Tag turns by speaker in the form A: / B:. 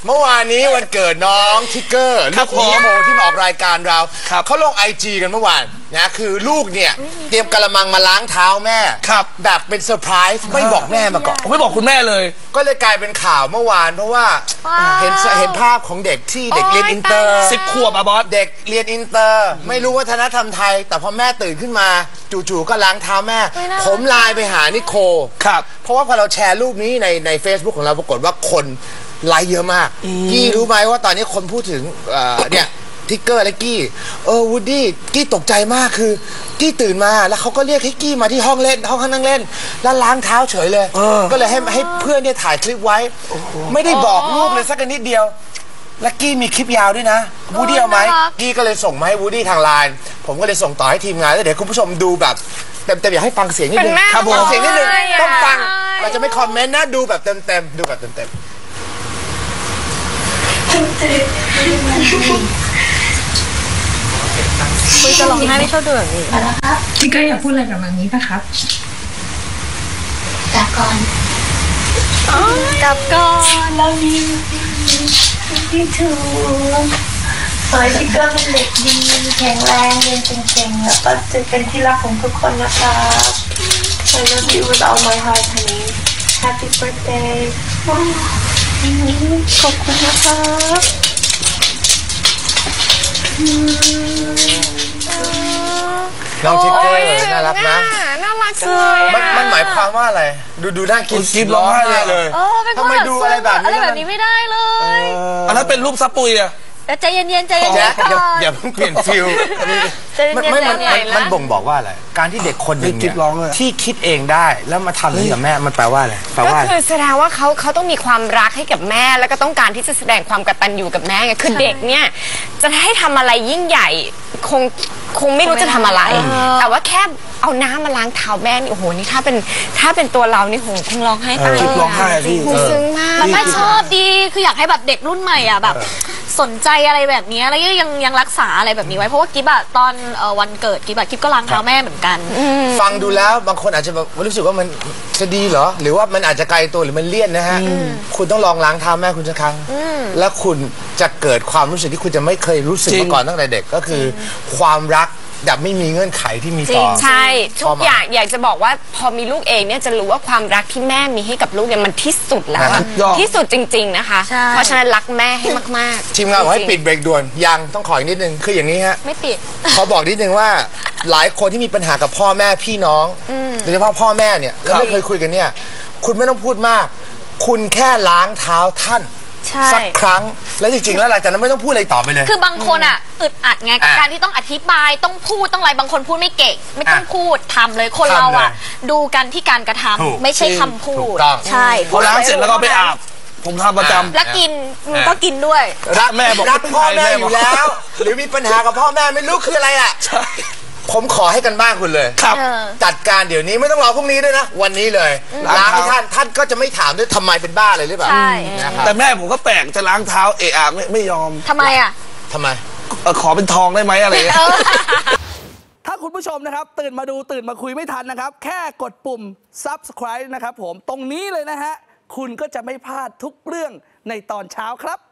A: เมื่อวานนี้วันเกิดน้องทิกเกอร์ลูกโมที่มาออกรายการเราเขาลง IG กันเมื่อวานนะคือลูกเนี่ยเตรียมกระมังมาล้างเท้าแม่แบบเป็นเซอร์ไพรส์ไม่บอกแม่มาก่อน
B: ไม่บอกคุณแม่เลย
A: ก็เลยกลายเป็นข่าวเมื่อวานเพราะว่าเห็นภาพของเด็กที่เด็กเรียนอินเตอร์
B: 10 ขวบอะบอส
A: เด็กเรียนอินเตอร์ไม่รู้วัฒนธรรมไทยแต่พอแม่ตื่นขึ้นมาจู่ๆก็ล้างเท้าแม่ผมไลน์ไปหานิโคเพราะว่าพอเราแชร์รูปนี้ใน Facebook ของเราปรากฏว่าคนไลค์เยอะมากกี้รู้ไหมว่าตอนนี้คนพูดถึงเนี่ยทิกเกอร์และกี้วูดดี้กี้ตกใจมากคือกี้ตื่นมาแล้วเขาก็เรียกให้กี้มาที่ห้องนั่งเล่นแล้วล้างเท้าเฉยเลยก็เลยให้เพื่อนเนี่ยถ่ายคลิปไว้ไม่ได้บอกลูกเลยสักนิดเดียวและกี้มีคลิปยาวด้วยนะวูดดี้เอาไหมกี้ก็เลยส่งมาให้วูดดี้ทางไลน์ผมก็เลยส่งต่อให้ทีมงานแล้วเดี๋ยวคุณผู้ชมดูแบบเต็มอยากให้ฟังเสียงนิดนึง
C: ครับผม
A: เสียงนิดนึงต้องฟังเราจะไม่คอมเมนต์นะดูแบบเต็มดูแบบเต็ม
C: คุยจะร้องไห้ไม่ชอบดูแบบนี้
D: นะครับพี่ก็อยากพูดอะไรกับมันนี้ป่ะครับกลับก่อนเราดีที่ถูกขอให้พี่ก็เป็นเด็กดีแข็งแรงเรียนเก่งๆแล้วก็จะเป็นที่รักของทุกคนนะครับ I love you with all my heart honey Happy birthday ขอบคุณนะครับ
A: น้องทิกเกอร์น่ารักนะ
C: น่ารักเลย
A: มันหมายความว่าอะไรดูน่ากิน
B: กินร้องไห้เลย
A: ทำไมดูอะไรแบบ
C: นี้ไม่ได้เลย
B: อันนั้นเป็นรูปซับปุยอะ
C: ใจเย็นๆ
A: อย่าเพิ่งเปลี่ยนฟิลมันบ่งบอกว่าอะไรการที่เด็กคนหนึ่งเนี่ยที่คิดเองได้แล้วมาทำนี้กับแม่มันแปลว่าอะไร
C: ก็คือแสดงว่าเขาต้องมีความรักให้กับแม่แล้วก็ต้องการที่จะแสดงความกตัญญูกับแม่ไงคือเด็กเนี่ยจะให้ทำอะไรยิ่งใหญ่คงไม่รู้จะทำอะไรแต่ว่าแค่เอาน้ำมาล้างเท้าแม่นี่โอ้โหนี่ถ้าเป็นตัวเรานี่โหคงร้องไห้ตาย
B: ร้องไห้พี่
C: ซึ้งมาก
E: มันไม่ชอบดีคืออยากให้แบบเด็กรุ่นใหม่อ่ะแบบสนใจอะไรแบบนี้แล้วยังรักษาอะไรแบบนี้ไว้เพราะว่ากิ๊บอะตอนวันเกิดกิ๊บก็ล้างเท้าแม่เหมือนกัน
A: ฟังดูแล้วบางคนอาจจะแบบรู้สึกว่ามันจะดีเหรอหรือว่ามันอาจจะไกลตัวหรือมันเลี่ยนนะฮะคุณต้องลองล้างเท้าแม่คุณสักครั้งแล้วคุณจะเกิดความรู้สึกที่คุณจะไม่เคยรู้สึกมาก่อนตั้งแต่เด็กก็คือความรักแบบไม่มีเงื่อนไขที่มีต่อ
C: ใช่ทุกอย่างอยากจะบอกว่าพอมีลูกเองเนี่ยจะรู้ว่าความรักที่แม่มีให้กับลูกเนี่ยมันที่สุดแล้วที่สุดจริงๆนะคะเพราะฉะนั้นรักแม่ให้มาก
A: ๆทีมงานบอกให้ปิดเบรกด่วนยังต้องขออีกนิดนึงคืออย่างนี้ฮะ
C: ไม่ปิด
A: เขาบอกนิดนึงว่าหลายคนที่มีปัญหากับพ่อแม่พี่น้องโดยเฉพาะพ่อแม่เนี่ยแล้วไม่เคยคุยกันเนี่ยคุณไม่ต้องพูดมากคุณแค่ล้างเท้าท่านสักครั้งแล้วจริงๆแล้วหลังจากนั้นไม่ต้องพูดอะไรต่อไปเลย
E: คือบางคนอ่ะอึดอัดไงกับการที่ต้องอธิบายต้องพูดต้องอะไรบางคนพูดไม่เก่งไม่ต้องพูดทำเลยคนเราอ่ะดูกันที่การกระทำไม่ใช่คำพูดใช่
B: พอล้างเสร็จแล้วก็ไปอาบผมทำประจำ
E: แล้วกินก็กินด้วย
A: รักแม่บอกรักพ่อแม่อยู่แล้วหรือมีปัญหากับพ่อแม่ไม่รู้คืออะไรอ่ะผมขอให้กันบ้างคุณเลย
B: ครับ
A: จัดการเดี๋ยวนี้ไม่ต้องรอพรุ่งนี้ด้วยนะวันนี้เลยล้างให้ท่านก็จะไม่ถามด้วยทำไมเป็นบ้าเลยหรือเปล่า
B: แต่แม่ผมก็แปลกจะล้างเท้าไม่ยอม
E: ทำไมอ่ะ
A: ทำไม
B: ขอเป็นทองได้ไหมอะไรถ้าคุณผู้ชมนะครับตื่นมาดูตื่นมาคุยไม่ทันนะครับแค่กดปุ่ม Subscribe นะครับผมตรงนี้เลยนะฮะคุณก็จะไม่พลาดทุกเรื่องในตอนเช้าครับ